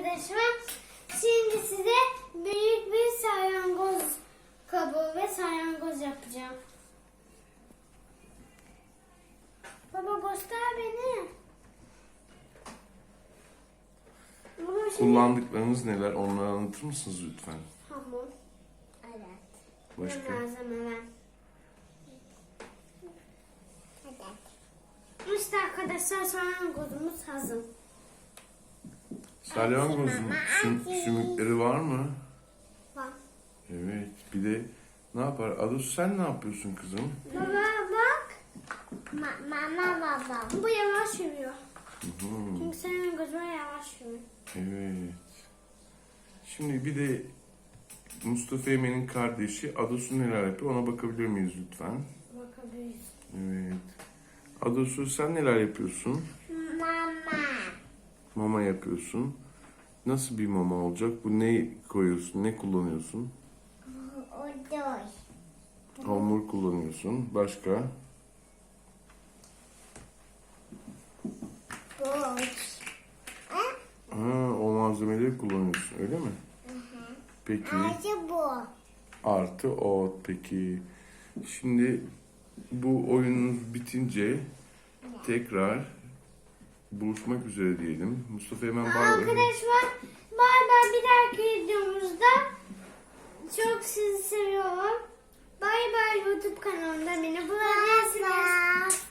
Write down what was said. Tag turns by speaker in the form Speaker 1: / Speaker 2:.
Speaker 1: arkadaşlar. Şimdi size büyük bir salyangoz kabuğu ve salyangoz yapacağım. Baba göster beni. Baba şimdi...
Speaker 2: Kullandıklarınız neler? Onları anlatır mısınız lütfen?
Speaker 1: Hamur. Evet.
Speaker 2: Başka?
Speaker 1: Malzemeler. İşte arkadaşlar salyangozumuz hazır.
Speaker 2: Salyangozun sümükleri var mı?
Speaker 1: Bak.
Speaker 2: Evet. Bir de ne yapar? Adus sen ne yapıyorsun kızım?
Speaker 1: Baba bak. Mama baba. Bu yavaş yürüyor. Çünkü salyangozuma yavaş yürüyor.
Speaker 2: Evet. Şimdi bir de Mustafa Emin'in kardeşi Adus'u neler yapıyor? Ona bakabilir miyiz lütfen?
Speaker 1: Bakabiliriz.
Speaker 2: Evet. Adus'u sen neler yapıyorsun?
Speaker 1: Mama.
Speaker 2: Mama yapıyorsun. Nasıl bir mama olacak? Bu ne koyuyorsun? Ne kullanıyorsun?
Speaker 1: Odoy.
Speaker 2: Hamur kullanıyorsun. Başka?
Speaker 1: Boş.
Speaker 2: Ha, o malzemeleri kullanıyorsun öyle mi? Peki.
Speaker 1: Acı bu.
Speaker 2: Artı ot peki. Şimdi bu oyununuz bitince tekrar buluşmak üzere diyelim. Mustafa hemen bay bay.
Speaker 1: Arkadaşlar bay bay, bir dahaki videomuzda çok sizi seviyorum. Bay bay, YouTube kanalında beni bulabilirsiniz.